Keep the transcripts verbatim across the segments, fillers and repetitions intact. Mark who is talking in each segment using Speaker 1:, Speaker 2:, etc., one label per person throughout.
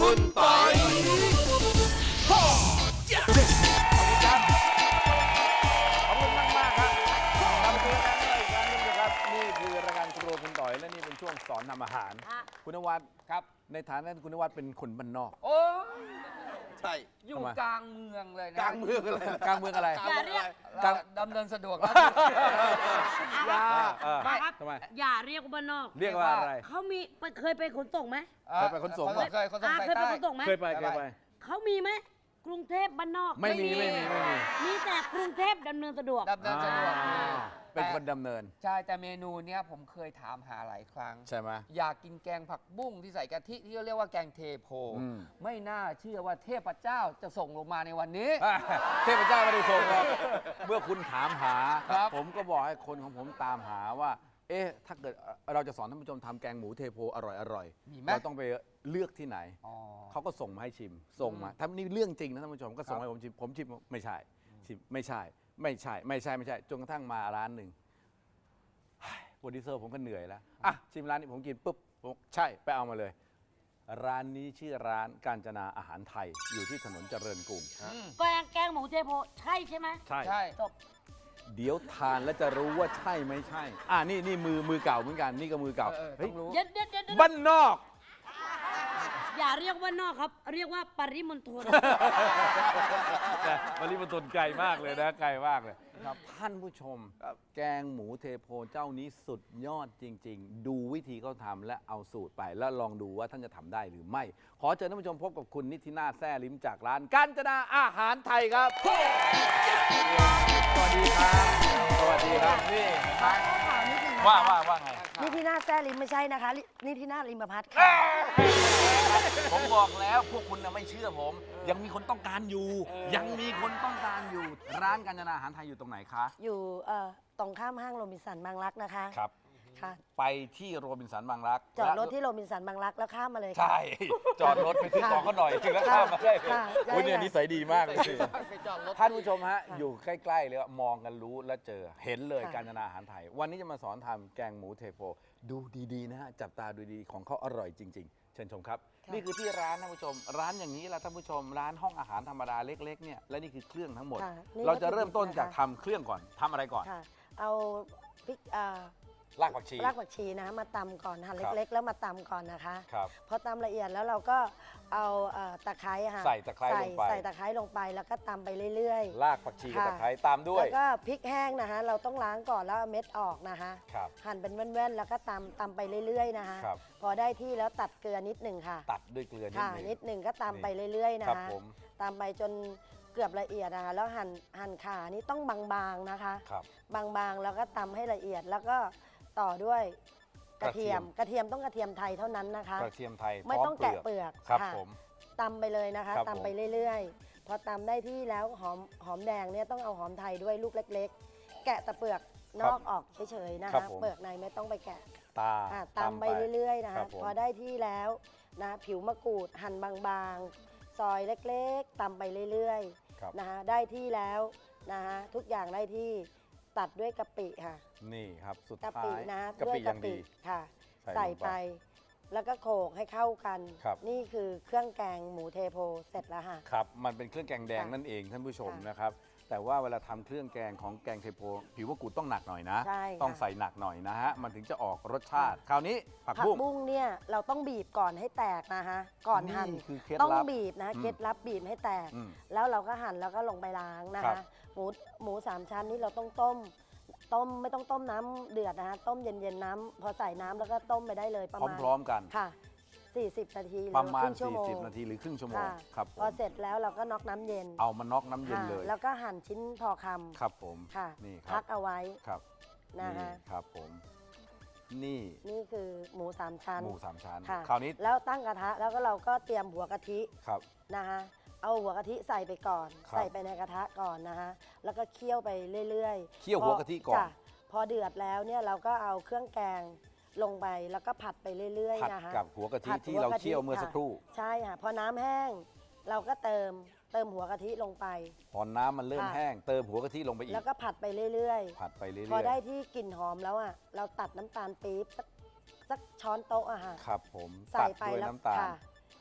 Speaker 1: คุณปอยขอบคุณครับขอบคุณมากมากครับกลับมาเจอกันอีกครั้งนึงนะครับนี่คือรายการครัวคุณต่อยและนี่เป็นช่วงสอนทำอาหารคุณนวัดครับในฐานะคุณนวัดเป็นคนบ้านนอก
Speaker 2: โอ้
Speaker 1: ใช่
Speaker 2: อยู่กลางเมืองเลยนะ
Speaker 1: กลางเมืองอะไรกลางเมืองอะไร
Speaker 3: อย่าเรียก
Speaker 2: ดำเนินสะดวกครับ
Speaker 1: อย่า
Speaker 3: ไม่ครับ
Speaker 1: ทำไม
Speaker 3: อย่าเรียกว่าบ้านนอก
Speaker 1: เรียกว่าอะไร
Speaker 3: เขามีเคยไปขนส่งไหม
Speaker 1: เคยไปขนส่งไหม
Speaker 2: เคยขนส่งสาย
Speaker 3: เคยไป
Speaker 2: ใต้
Speaker 3: ขนส่งไหม
Speaker 1: เคยไปเคยไป
Speaker 3: เขามีไหมกรุงเทพบ้านนอก
Speaker 1: ไม่มีไม่มีไม่มี
Speaker 3: มีแต่กรุงเทพดำเนินสะดวก
Speaker 2: ดำเนินสะดวก
Speaker 1: เป็นคนดำเนิน
Speaker 2: ใช่แต่เมนูเนี้ยผมเคยถามหาหลายครั้ง
Speaker 1: ใช่ไหม
Speaker 2: อยากกินแกงผักบุ้งที่ใส่กะทิที่เขาเรียกว่าแกงเทโพไม่น่าเชื่อว่าเทพเจ้าจะส่งลงมาในวันนี้
Speaker 1: เทพเจ้าไม่ได้ส่งหรอกเมื่อคุณถามหาผมก็บอกให้คนของผมตามหาว่าเอ๊ะถ้าเกิดเราจะสอนท่านผู้ชมทำแกงหมูเทโพอร่อยอร่อยเราต้องไปเลือกที่ไหนเขาก็ส่งมาให้ชิมส่งมาถ้านี่เรื่องจริงนะท่านผู้ชมก็ส่งให้ผมชิมผมชิมไม่ใช่ชิมไม่ใช่ไม่ใช่ไม่ใช่ไม่ใช่จนกระทั่งมาร้านหนึ่งโปรดิวเซอร์ผมก็เหนื่อยแล้วอ่ะชิมร้านนี้ผมกินปุ๊บผมใช่ไปเอามาเลยร้านนี้ชื่อร้านกาญจนาอาหารไทยอยู่ที่ถนนเจริญกรุง
Speaker 3: แกงแกงหมูเทโพใช่ใช่ไหม
Speaker 1: ใช่
Speaker 2: ใช่
Speaker 3: จบ
Speaker 1: เดี๋ยวทานแล้วจะรู้ว่าใช่ไม่ใช่อ่านี่นี่มือมือเก่าเหมือนกันนี่ก็มือเก่า
Speaker 2: เฮ้ย
Speaker 3: เด็ดเด็ดเด็ด
Speaker 1: บ้านนอก
Speaker 3: อย่าเรียกว่านอกครับเรียกว่าปริมณฑล
Speaker 1: ปริมณฑลไกลมากเลยนะไกลมากเลยครับท่านผู้ชมแกงหมูเทโพเจ้านี้สุดยอดจริงๆดูวิธีเขาทำและเอาสูตรไปแล้วลองดูว่าท่านจะทำได้หรือไม่ขอเชิญท่านผู้ชมพบกับคุณนิตินาถแซ่ลิ้มจากร้านกาญจนาอาหารไทยครับสวัสดีครับสวัสดีครับนี่ว่าว่าว่าไง
Speaker 3: นี่ที่หน้าแซ่ลิมไม่ใช่นะคะนี่ที่หน้าลิมพัฒน์ค่ะ
Speaker 1: ผมบอกแล้วพวกคุณน่ะไม่เชื่อผมยังมีคนต้องการอยู่ยังมีคนต้องการอยู่ร้านกาญจนาอาหารไทยอยู่ตรงไหนคะ
Speaker 3: อยู่ตรงข้ามห้างโรบินสันบางรักนะคะ
Speaker 1: ครับไปที่โรบินสันบางรัก
Speaker 3: จอดรถที่โรบินสันบางรักแล้วข้ามมาเลย
Speaker 1: ใช่จอดรถไปซื้อของเขาหน่อยถึงแล้วข้ามมาได้คุณเนี่ยนิสัยดีมากเลยท่านผู้ชมฮะอยู่ใกล้ๆเลยมองกันรู้และเจอเห็นเลยกาญจนาอาหารไทยวันนี้จะมาสอนทำแกงหมูเทโพดูดีๆนะฮะจับตาดูดีของเขาอร่อยจริงๆเชิญชมครับนี่คือที่ร้านท่านผู้ชมร้านอย่างนี้แหละท่านผู้ชมร้านห้องอาหารธรรมดาเล็กๆเนี่ยและนี่คือเครื่องทั้งหมดเราจะเริ่มต้นจากทำเครื่องก่อนทำอะไรก่อน
Speaker 3: เอาพริก
Speaker 1: รากผักชี
Speaker 3: รากผักชีนะมาตำก่อนหั่นเล็กๆแล้วมาตำก่อนนะคะ
Speaker 1: ครับ
Speaker 3: พอตำละเอียดแล้วเราก็เอาตะไคร้ค่ะ
Speaker 1: ใส่ตะไคร้ลงไป
Speaker 3: ใส่ตะไคร้ลงไปแล้วก็ตำไปเรื่อย
Speaker 1: ๆรากผักชีกับตะไคร้ตามด้วย
Speaker 3: แล้วก็พริกแห้งนะคะเราต้องล้างก่อนแล้วเอาเม็ดออกนะคะหั่นเป็นแว่นๆแล้วก็ตำตำไปเรื่อยๆนะคะพอได้ที่แล้วตัดเกลือนิดหนึ่งค่ะ
Speaker 1: ตัดด้วยเกลือ
Speaker 3: นิดหนึ่งก็ตำไปเรื่อยๆนะคะตำไปจนเกือบละเอียดนะคะแล้วหั่นหั่นขานี่ต้องบางๆนะคะบางๆแล้วก็ตำให้ละเอียดแล้วก็ต่อด้วยกระเทียมกระเทียมต้องกระเทียมไทยเท่านั้นนะคะ
Speaker 1: กระเทียมไทย
Speaker 3: ไม่ต้องแกะเปลือก
Speaker 1: ครับผม
Speaker 3: ตำไปเลยนะคะตำไปเรื่อยๆพอตำได้ที่แล้วหอมหอมแดงเนี่ยต้องเอาหอมไทยด้วยลูกเล็กๆแกะแต่เปลือกนอกออกเฉยๆนะคะเปลือกในไม่ต้องไปแกะ
Speaker 1: ตา
Speaker 3: ตำไปเรื่อยๆนะคะพอได้ที่แล้วนะผิวมะกรูดหั่นบางๆซอยเล็กๆตำไปเรื่อยๆนะคะได้ที่แล้วนะคะทุกอย่างได้ที่ตัดด้วยกะปิค่ะ
Speaker 1: นี่ครับสุดท้าย
Speaker 3: กะปินะด้วยกะปิค่ะใส่ไปแล้วก็โขลกให้เข้ากันนี่คือเครื่องแกงหมูเทโพเสร็จแล้วค่ะ
Speaker 1: ครับมันเป็นเครื่องแกงแดงนั่นเองท่านผู้ชมนะครับแต่ว่าเวลาทำเครื่องแกงของแกงเทโพผิวมะกรูดต้องหนักหน่อยนะต้องใส่หนักหน่อยนะฮะมันถึงจะออกรสชาติคราวนี้ผัก
Speaker 3: บุ้งเนี่ยเราต้องบีบก่อนให้แตกนะคะก่อนหั่นต้องบีบนะเคล็ดลับบีบให้แตกแล้วเราก็หั่นแล้วก็ลงไปล้างนะคะหมูหมูสามชั้นนี่เราต้องต้มต้มไม่ต้องต้มน้ำเดือดนะคะต้มเย็นๆน้ำพอใส่น้ำแล้วก็ต้มไปได้เลยประมาณ
Speaker 1: พร้อมๆกัน
Speaker 3: ค่ะสี่สิบนาที
Speaker 1: ประมาณสี่สิบนาทีหรือครึ่งชั่วโมงครับ
Speaker 3: พอเสร็จแล้วเราก็น็อกน้ำเย็น
Speaker 1: เอามาน็อกน้ำเย็นเลย
Speaker 3: แล้วก็หั่นชิ้นพอคำ
Speaker 1: ครับผม
Speaker 3: ค่ะนี่พักเอาไว้
Speaker 1: ครับ
Speaker 3: นะคะ
Speaker 1: ครับผมนี่
Speaker 3: นี่คือหมูสามชั้น
Speaker 1: หมูสามชั้นคราวนี้
Speaker 3: แล้วตั้งกระทะแล้วก็เราก็เตรียมหัวกะทิ
Speaker 1: ครับ
Speaker 3: นะคะเอาหัวกะทิใส่ไปก่อนใส่ไปในกระทะก่อนนะคะแล้วก็เคี่ยวไปเรื่อย
Speaker 1: ๆเคี่ยวหัวกะทิก่อน
Speaker 3: พอเดือดแล้วเนี่ยเราก็เอาเครื่องแกงลงไปแล้วก็ผัดไปเรื่อยๆนะคะ
Speaker 1: กับหัวกะทิที่เราเคี่ยวเมื่อสักครู่
Speaker 3: ใช่ค่ะพอน้ำแห้งเราก็เติมเติมหัวกะทิลงไป
Speaker 1: พอน้ำมันเริ่มแห้งเติมหัวกะทิลงไปอีก
Speaker 3: แล้วก็ผัดไปเรื่อย
Speaker 1: ๆผัดไปเรื่อยๆ
Speaker 3: พอได้ที่กลิ่นหอมแล้วอ่ะเราตัดน้ำตาลปี๊บสักสักช้อนโต๊ะอะค่ะ
Speaker 1: ครับผม
Speaker 3: ใส่ไปแล้วค่ะ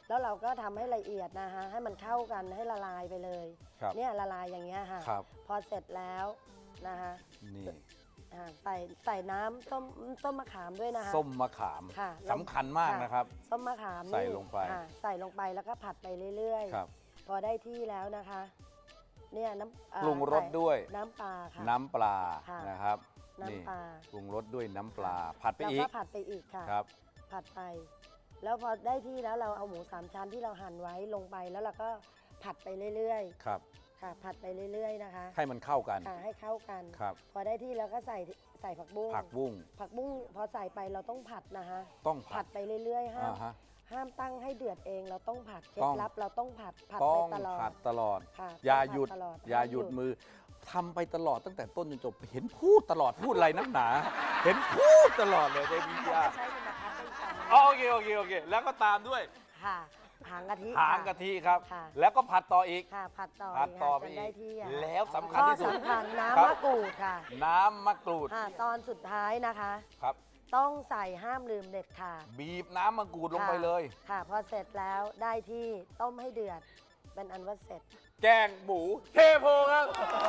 Speaker 3: แล้วเราก็ทำให้ละเอียดนะคะให้มันเข้ากันให้ละลายไปเลย
Speaker 1: ครับ
Speaker 3: เนี่ยละลายอย่างเงี้ยค่ะ
Speaker 1: ครับ
Speaker 3: พอเสร็จแล้วนะคะ
Speaker 1: นี่
Speaker 3: อ่าใส่ใส่น้ำต้มต้มมะขามด้วยนะคะ
Speaker 1: ส้มมะขาม
Speaker 3: ค่ะ
Speaker 1: สำคัญมากนะครับ
Speaker 3: ส้มมะขามนี่
Speaker 1: ใส่ลงไป
Speaker 3: ค่ะใส่ลงไปแล้วก็ผัดไปเรื่อย
Speaker 1: ครับ
Speaker 3: ๆ พอได้ที่แล้วนะคะเนี่ยน้ำอ่า
Speaker 1: ปรุงรส
Speaker 3: ใส่
Speaker 1: ด้วย
Speaker 3: น้ำปลาค่ะ
Speaker 1: น้ำปลา
Speaker 3: ค่ะ
Speaker 1: นะครับ
Speaker 3: น้ำ
Speaker 1: นี่
Speaker 3: ปลา
Speaker 1: ปรุงรสด้วยน้ำปลา ผัดไป
Speaker 3: แล้ว
Speaker 1: อี
Speaker 3: ก็
Speaker 1: ก
Speaker 3: ผัดไปอีกค่ะ
Speaker 1: ครับ
Speaker 3: ผัดไป แล้วพอได้ที่แล้วเราเอาหมูสามชั้นที่เราหั่นไว้ลงไปแล้วเราก็ผัดไปเรื่อย
Speaker 1: ครับ
Speaker 3: ๆ ค่ะ ผัดไปเรื่อยๆนะคะ
Speaker 1: ให้มันเข้ากัน
Speaker 3: ค่ะให้เข้ากัน
Speaker 1: ครับ
Speaker 3: พอได้ที่แล้วก็ใส่ใส่ผักบุ้ง
Speaker 1: ผักบุ้ง
Speaker 3: ผักบุ้งพอใส่ไปเราต้องผัดนะคะ
Speaker 1: ต้อง
Speaker 3: ผั
Speaker 1: ผั
Speaker 3: ด
Speaker 1: ด
Speaker 3: ไปเรื่อยๆห้า
Speaker 1: อ่าม ฮะ
Speaker 3: ห้ามตั้งให้เดือดเองเราต้องผัดเคล็
Speaker 1: ต้
Speaker 3: ด
Speaker 1: อง
Speaker 3: ลับเราต้องผัดผัด
Speaker 1: ต้
Speaker 3: ไป
Speaker 1: อง
Speaker 3: ตลอด
Speaker 1: ผัดตลอด
Speaker 3: ค่ะ
Speaker 1: อย่า
Speaker 3: ต้องผั
Speaker 1: หยุด
Speaker 3: ตลอด
Speaker 1: อย่าหยุดมือทำไปตลอดตั้งแต่ต้นจนจบ เห็นพูดตลอดพูดอะไรนักหนา เห็นพูดตลอดเลยได้พี่ยา
Speaker 3: ใช้เป็นกระทะเป็นจาน
Speaker 1: อ๋อโอเคโอเคโอเค แล้วก็ตามด้วย
Speaker 3: ค่ะหางกะทิ
Speaker 1: หางกะทิครับ
Speaker 3: ค่ะ
Speaker 1: แล้วก็ผัดต่ออีก
Speaker 3: ค่ะผัดต่อ
Speaker 1: ผัดต่อไป
Speaker 3: จน
Speaker 1: อี
Speaker 3: ได้
Speaker 1: ก
Speaker 3: ที่อะ
Speaker 1: แล้วสำคัญ
Speaker 3: ข้อ
Speaker 1: ที่สุด
Speaker 3: สำคัญ
Speaker 1: ครั
Speaker 3: น้ำ
Speaker 1: บ
Speaker 3: มะกรูดค่ะ
Speaker 1: น้ำมะกรูด
Speaker 3: ค่ะ ตอนสุดท้ายนะคะ
Speaker 1: ครับ
Speaker 3: ต้องใส่ห้ามลืมเด็ดขาด
Speaker 1: บีบน้ำมะกรูดลงไปเลย
Speaker 3: ค่ะ พอเสร็จแล้วได้ที่ต้มให้เดือด เป็นอันว่าเสร็จ
Speaker 1: แกงหมูเทโพครับ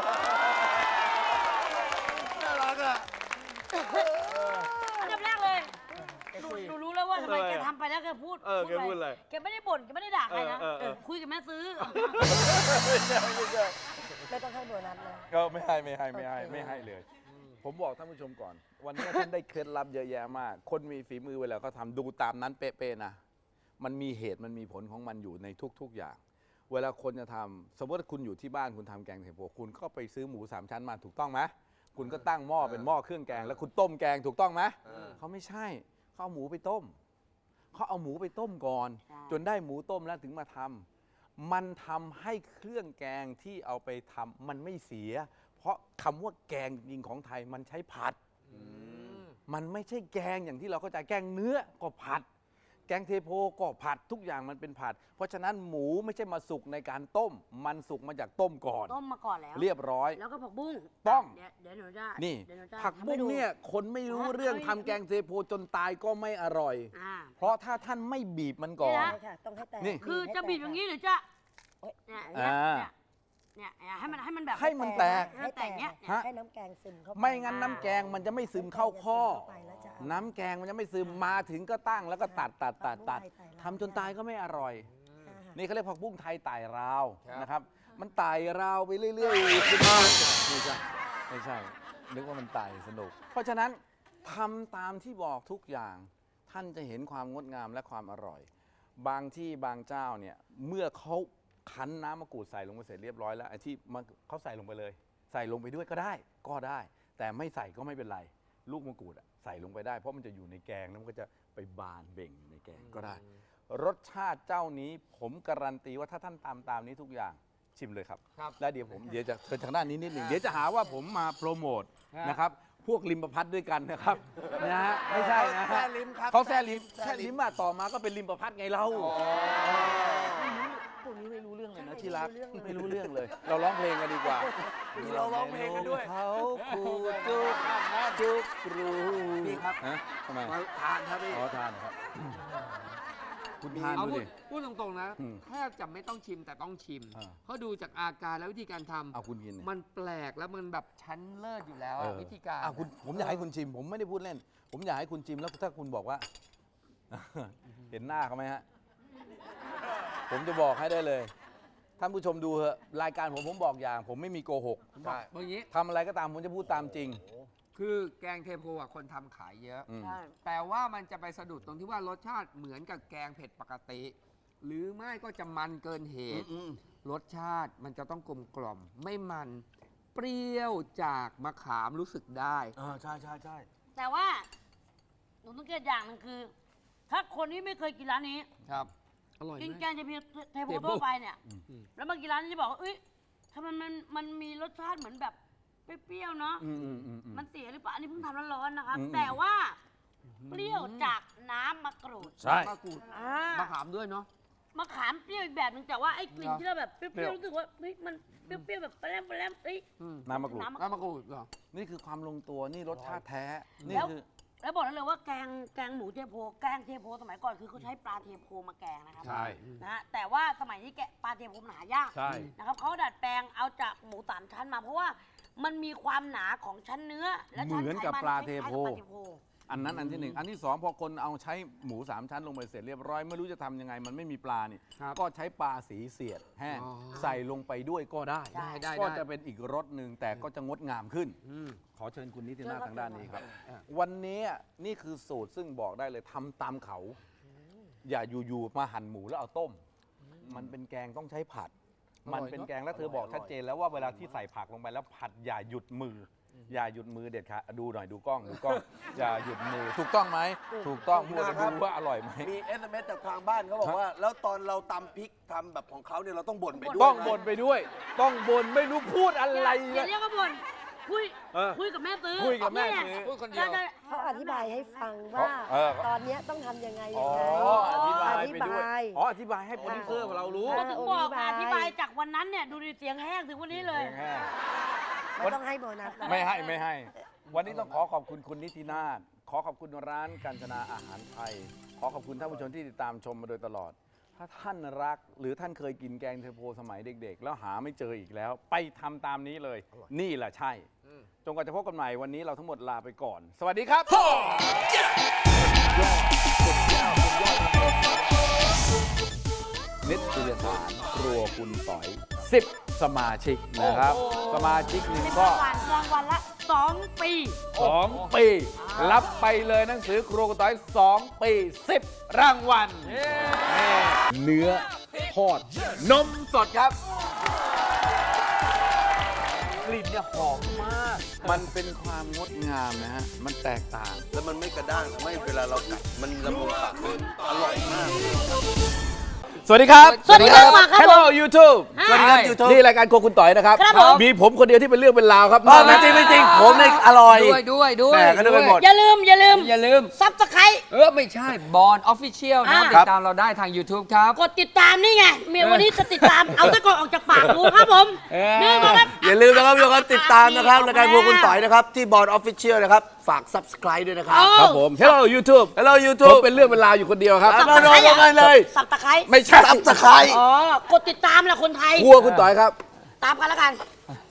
Speaker 1: น่ารักอ่ะ
Speaker 4: อันดับแรกเลยหนูหนูรู้แล้วว่าทำไม
Speaker 1: ทำไม
Speaker 4: แก
Speaker 1: อะ
Speaker 4: ทำไปแล้วแกพูด
Speaker 1: เออแกพูดอะไร
Speaker 4: แกไม่ได้บ่นแกไม่ได้ด่าใครนะ
Speaker 1: เออเออเออ
Speaker 4: คุยกับแม่ซื้อ
Speaker 1: ไม่ใช่ไม่ใช่
Speaker 3: ไม่ต้องให้โบนัสเลย
Speaker 1: ก็ไม่ให้ไม่ให้ไม่ให้
Speaker 3: โอเค
Speaker 1: ไม่ให้เลย ผมบอกท่านผู้ชมก่อน วันนี้ท่านได้เคล็ดลับเยอะแยะมาก คนมีฝีมือเวลาเขาทำดูตามนั้นเป๊ะๆนะ มันมีเหตุมันมีผลของมันอยู่ในทุก ๆอย่าง เวลาคนจะทำสมมติว่าคุณอยู่ที่บ้านคุณทำแกงเทโพคุณก็ไปซื้อหมูสามชั้นมาถูกต้องไหมคุณก็ตั้งหม้อเป็นหม้อเครื่องแกง แล้วคุณต้มแกงถูกต้องไหมเขาไม่ใช่เขาเอาหมูไปต้มเขาเอาหมูไปต้มก่อน
Speaker 4: ใช่
Speaker 1: จนได้หมูต้มแล้วถึงมาทำมันทำให้เครื่องแกงที่เอาไปทำมันไม่เสีย เพราะคำว่าแกงจริงของไทยมันใช้ผัด มันไม่ใช่แกงอย่างที่เราเข้าใจแกงเนื้อก็ผัด แกงเทโพก็ผัดทุกอย่างมันเป็นผัด เพราะฉะนั้นหมูไม่ใช่มาสุกในการต้ม มันสุกมาจากต้มก่อน
Speaker 4: ต้มมาก่อนแล้ว
Speaker 1: เรียบร้อย
Speaker 4: แล้วก็ผักบุ้ง
Speaker 1: ต้อง
Speaker 4: เดี๋ยวเดี๋ยวหนูจะ
Speaker 1: นี่
Speaker 4: เดี๋ยวหนูจะ
Speaker 1: ผักบุ้ง
Speaker 4: ทำให้ดู
Speaker 1: เนี่ยคนไม่รู้เรื่องทำแกงเทโพจนตายก็ไม่อร่อย
Speaker 4: อ่า
Speaker 1: เพราะถ้าท่านไม่บีบมันก่อน
Speaker 4: นี่
Speaker 3: ใช่ค่ะ ต้องให้แตก
Speaker 1: นี่
Speaker 4: คือ
Speaker 3: ให้
Speaker 4: จะ
Speaker 3: แตก
Speaker 4: บีบอย่างนี้
Speaker 3: ค่ะ
Speaker 4: หรือจะเนี่ยเนี่ย
Speaker 1: อ่า
Speaker 4: เนี่ยเนี่ยเนี่ยให้มันให้มันแบบ
Speaker 1: ให้มันแตก
Speaker 4: ให้มันแตกเนี้ย
Speaker 1: ฮะ
Speaker 3: ให้น้ำแกงซึมเข้าไป
Speaker 1: ไม่งั้นน้ำแกงมันจะไม่ซึมเข้าข้อ
Speaker 3: เข้าไปแล้วจะเอา
Speaker 1: น้ำแกงมันจะไม่ซึมมาถึงก็ตั้งแล้วก็ตัดตัดตัดตัด
Speaker 3: ผักบุ้งไทยไต่ราว
Speaker 1: ทำจนตายก็ไม่อร่อย
Speaker 3: อ่า
Speaker 1: นี่เขาเรียกผักบุ้งไทยไต่ราว
Speaker 2: ครับ
Speaker 1: นะครับ มันไต่ราวไปเรื่อยๆขึ้นมาไม่ใช่ไม่ใช่ นึกว่ามันไต่สนุก เพราะฉะนั้นทำตามที่บอกทุกอย่าง ท่านจะเห็นความงดงามและความอร่อย บางที่บางเจ้าเนี่ยเมื่อเขาคั้นน้ำมะกรูดใส่ลงไปเสร็จเรียบร้อยแล้วไอ้ที่มันเขาใส่ลงไปเลย ใส่ลงไปด้วยก็ได้ก็ได้ แต่ไม่ใส่ก็ไม่เป็นไร ลูกมะกรูดอะใส่ลงไปได้ เพราะมันจะอยู่ในแกงแล้วมันก็จะไปบานเบ่งอยู่ในแกงก็ได้ รสชาติเจ้านี้ผมการันตีว่าถ้าท่านตามตามนี้ทุกอย่างชิมเลยครับ
Speaker 2: ครับ
Speaker 1: แล้วเดี๋ยวผมเดี๋ยวจะเชิญทางด้านนี้นิดหนึ่งเดี๋ยวจะหาว่าผมมาโปรโมท
Speaker 2: ฮะ
Speaker 1: นะครับ พวกริมประพัดด้วยกันนะครับนะฮะไม่ใช่นะ
Speaker 5: แซ่
Speaker 1: ฮะ
Speaker 5: ลิ้มครับ
Speaker 1: เขาแซ่ลิ้ม
Speaker 5: แซ่
Speaker 1: แซ่
Speaker 5: ลิ้
Speaker 1: ลิ้ม
Speaker 5: ม
Speaker 1: มาต่อมาก็เป็นริมประพัดไงเราพวกนี้ไม่รู้เรื่องเลยนะที่รักไม่รู้เรื่องเลย เราร้องเพลงกันดีกว่า
Speaker 5: เราร้องเพลงกันด้วย
Speaker 1: เขาคูจุกจุกรู
Speaker 5: พี่ครับ
Speaker 1: ฮะทำไม
Speaker 5: มาทานครับพี่
Speaker 1: อ๋อทานครับ คุณทาน
Speaker 2: เอา
Speaker 1: ดู
Speaker 2: พูด
Speaker 1: ดิ
Speaker 2: พูดตรงๆนะ
Speaker 1: อืม
Speaker 2: แทบจะไม่ต้องชิมแต่ต้องชิม
Speaker 1: อ่า
Speaker 2: เพราะดูจากอาการและวิธีการทำ
Speaker 1: เอาคุณกินเนี่ย
Speaker 2: มันแปลกแล้วมันแบบชั้นเลิศอยู่แล้ว
Speaker 1: เอ
Speaker 2: อะ
Speaker 1: อ
Speaker 2: วิธีการ
Speaker 1: อ่ะคุณผมอยากให้คุณชิม ผมไม่ได้พูดเล่น ผมอยากให้คุณชิมแล้วถ้าคุณบอกว่า เห็นหน้าเขาไหมฮะ ผมจะบอกให้ได้เลย ท่านผู้ชมดูเถอะรายการผมผมบอกอย่าง ผมไม่มีโกหก
Speaker 2: ผมบอกอย่างนี้
Speaker 1: ทำอะไรก็ตามผมจะพูดตามจริง
Speaker 2: คือแกงเทโพอ่ะคนทำขายเยอะ
Speaker 1: อืม
Speaker 4: ใช่
Speaker 2: แต่ว่ามันจะไปสะดุดตรงที่ว่ารสชาติเหมือนกับแกงเผ็ดปกติ หรือไม่ก็จะมันเกินเหตุ รสชาติมันจะต้องกลมกล่อม ไม่มันเปรี้ยวจากมะขามรู้สึกได้
Speaker 5: อ่าใช่ใช่ใช่
Speaker 4: แต่ว่าหนูต้องเกตอย่างหนึงคือ ถ้าคนที่ไม่เคยกินร้านนี้
Speaker 2: ครับ อร่อย
Speaker 4: กิน
Speaker 2: ไห
Speaker 4: แก
Speaker 2: ม
Speaker 4: งเทโพเทโพ
Speaker 2: เทโพ
Speaker 4: ทั่วไปเนี่ย
Speaker 2: อืม
Speaker 4: แล้วมากินร้านนี้จะบอกว่าเอ้ยทำไมมันมันมีรสชาติเหมือนแบบเปรี้ยวๆเนาะ
Speaker 1: อืมอืมอืมอืม
Speaker 4: มันเสียหรือเปล่าอันนี้เพิ่งทำร้อนๆนะครับ
Speaker 1: อืม
Speaker 4: แต่ว่าเปรี้ยวจากน้ำมะกรูด
Speaker 1: ใช่
Speaker 2: มะกรูด
Speaker 4: อ่าม
Speaker 2: ะขามด้วยเนาะ
Speaker 4: มะขามเปรี้ยวอีกแบบหนึงแต่ว่าไอ้กลิ่น
Speaker 2: เหรอ
Speaker 4: ที่เราแบบเป
Speaker 1: เปรี้
Speaker 4: รี้
Speaker 1: ย
Speaker 4: ยว วๆรู้สึกว่าเฮ้ยมันเปรี้ยวๆแบบแปรมแปรมเอ้ย
Speaker 2: อืม
Speaker 1: น้ำมะกรูด
Speaker 4: น้ำมะ
Speaker 2: น้ำมะกรูดเหรอ
Speaker 1: นี่คือความลงตัว นี่รสชาติแท้ นี่
Speaker 4: แล้ว
Speaker 1: คือ
Speaker 4: แล้วบอกได้เลยว่าแกงแกงหมูเทโพแกงเทโพสมัยก่อนคือเขาใช้ปลาเทโพมาแกงนะครับ
Speaker 1: ใช่
Speaker 4: นะฮะแต่ว่าสมัยนี้แกะปลาเทโพมันหายาก
Speaker 1: ใช่
Speaker 4: นะครับเขาดัดแปลงเอาจากหมูสามชั้นมา เพราะว่ามันมีความหนาของชั้นเนื้อและชั้น
Speaker 1: เหมือน
Speaker 4: ไข
Speaker 1: กับ
Speaker 4: มัน
Speaker 1: ปลา
Speaker 4: ค
Speaker 1: เท
Speaker 4: ล้ายๆ
Speaker 1: โพ
Speaker 4: กับปลาเทโพ
Speaker 1: อันนั้นอันที่หนึ่งอันที่สองพอคนเอาใช้หมูสามชั้นลงไปเสร็จเรียบร้อยไม่รู้จะทำยังไงมันไม่มีปลานี่
Speaker 2: ครับ
Speaker 1: ก็ใช้ปลาสีเสียดแห้ง
Speaker 2: อ๋อ
Speaker 1: ใส่ลงไปด้วยก็ได้
Speaker 2: ได้ได้
Speaker 1: ก็
Speaker 2: ได้
Speaker 1: จะเป็นอีกรสหนึ่งแต่ก็จะงดงามขึ้น
Speaker 2: อืม
Speaker 1: ขอเชิญคุณนิตินาถทางด้านนี้ครับ
Speaker 2: อ่ะ
Speaker 1: วันนี้นี่คือสูตรซึ่งบอกได้เลยทำตามเขา อย่าอยู่ๆมาหั่นหมูแล้วเอาต้ม มันเป็นแกงต้องใช้ผัด มันเป็นแกงแล้วเธอบอกชัดเจนแล้วว่าเวลาที่ใส่ผักลงไปแล้วผัดอย่าหยุดมือ อย่าหยุดมือเด็ดขาดดูหน่อยดูกล้องดูกล้อง อย่าหยุดมือถูกต้องไหมถูกต้องมัวจะดูว่าอร่อยไหม
Speaker 5: มี เอส เอ็ม เอส จากทางบ้านเขาบอกว่า แล้วตอนเราตำพริกทำแบบของเขาเนี่ยเราต้องบ่นไปด้วย
Speaker 1: ต้อง
Speaker 5: นะ
Speaker 1: บ่นไปด้วย ต้องบ่นไม่รู้พูดอะไร
Speaker 4: อย่าเรียกว่าบ่นคุย
Speaker 1: เออ
Speaker 4: คุยกับแม่ซื้อ
Speaker 1: คุยกับแม่
Speaker 4: นี่
Speaker 1: ซื้อ
Speaker 2: พูดคนเดียว
Speaker 4: ใช่
Speaker 3: เขาอธิบายให้ฟังว่า
Speaker 1: เออ
Speaker 3: ตอนเนี้ยต้องทำยังไง
Speaker 1: อ๋
Speaker 3: ยั
Speaker 1: อง
Speaker 3: ไง
Speaker 1: อธิบาย
Speaker 3: อธิ
Speaker 1: ไป
Speaker 3: บา
Speaker 1: ด้วย
Speaker 3: ย
Speaker 1: อ๋ออธิบายให้โปรดิวเซอร์เรารู้
Speaker 3: อ่า
Speaker 4: ถึงบอก
Speaker 3: อ
Speaker 4: อ
Speaker 3: ธิ
Speaker 4: ธิ
Speaker 3: บา
Speaker 4: บาย ยจากวันนั้นเนี่ยดูดิเสียงแห้งถึงวันนี้เลย
Speaker 1: แห้ง
Speaker 3: ไม่ต้องให้โบนัสนะ
Speaker 1: ไม่ให้ไม่ให้ วันนี้ต้องขอขอบคุณคุณนิตินาถขอขอบคุณร้านกัญจนาอาหารไทย ขอขอบคุณท่านผู้ชมที่ติดตามชมมาโดยตลอด ถ้าท่านรักหรือท่านเคยกินแกงเทโพสมัยเด็กๆ แล้วหาไม่เจออีกแล้ว ไปทำตามนี้เลย นี่แหละใช่ จนกว่าจะพบกันใหม่วันนี้เราทั้งหมดลาไปก่อน สวัสดีครับนิตยสารครัวคุณต่อยสิบสมาชิกนะครับ สมาชิกหนึ่งก็
Speaker 4: รางวัลรางวัลละสองปี
Speaker 1: สองปี รับไปเลยหนังสือครัวคุณต่อยสองปีสิบรางวัลนี่เนื้อทอดนมสดครับ กลิ่นเนี่ยหอมมาก มันเป็นความงดงามนะฮะ มันแตกต่าง
Speaker 5: แล้วมันไม่กระด้างทำให้เวลาเรากัดมันละมุนปากมันอร่อยมาก
Speaker 1: สวัสดีครับ
Speaker 4: สวัสดีครับครับ
Speaker 1: Hello YouTube
Speaker 4: สวัสดีครับ
Speaker 5: YouTube
Speaker 1: นี่รายการโครัวคุณต่อยนะครับ
Speaker 4: ครับผม
Speaker 1: มีผมคนเดียวที่เป็นเรื่องเป็นราวครับ
Speaker 5: อ๋อไม่จริงไม่จริงผมเนี่ยอร่อย
Speaker 2: ด้วยด้วยด้วย
Speaker 5: แม่ก็นึกไปหมด
Speaker 4: อย่าลืมอย่าลืม
Speaker 2: อย่าลืม
Speaker 4: ซับสไคร
Speaker 2: เออ ไม่ใช่บอลออฟฟิเชียลนะ
Speaker 4: อ่า
Speaker 2: ติดตามเราได้ทาง YouTube ครับ
Speaker 4: กดติดตามนี่ไงเมียวันนี้จะติดตาม เอาตะกอนออกจากปากกูครับผม
Speaker 2: เออ
Speaker 4: นี่มาครับ
Speaker 5: อย่าลืมนะครับทุกคนติดตามนะครับรายการพวกคุณต่อยนะครับ ที่บอร์ดออฟฟิเชียลนะครับ ฝาก Subscribe ด้วยนะครับ
Speaker 4: เอา
Speaker 1: ครับผม Hello YouTube
Speaker 5: Hello
Speaker 1: ผม
Speaker 5: YouTube
Speaker 1: เป็นเรื่องเป็นราวอยู่คนเดียวครับ
Speaker 5: ครับ มาโดนกันเลย
Speaker 4: สับตะไคร้
Speaker 1: ไม่ใช่
Speaker 5: Subscribe
Speaker 4: อ๋อกดติดตามแหละคนไทย
Speaker 1: ครัวคุณต่อยครับ
Speaker 4: ตามกันแล้วกัน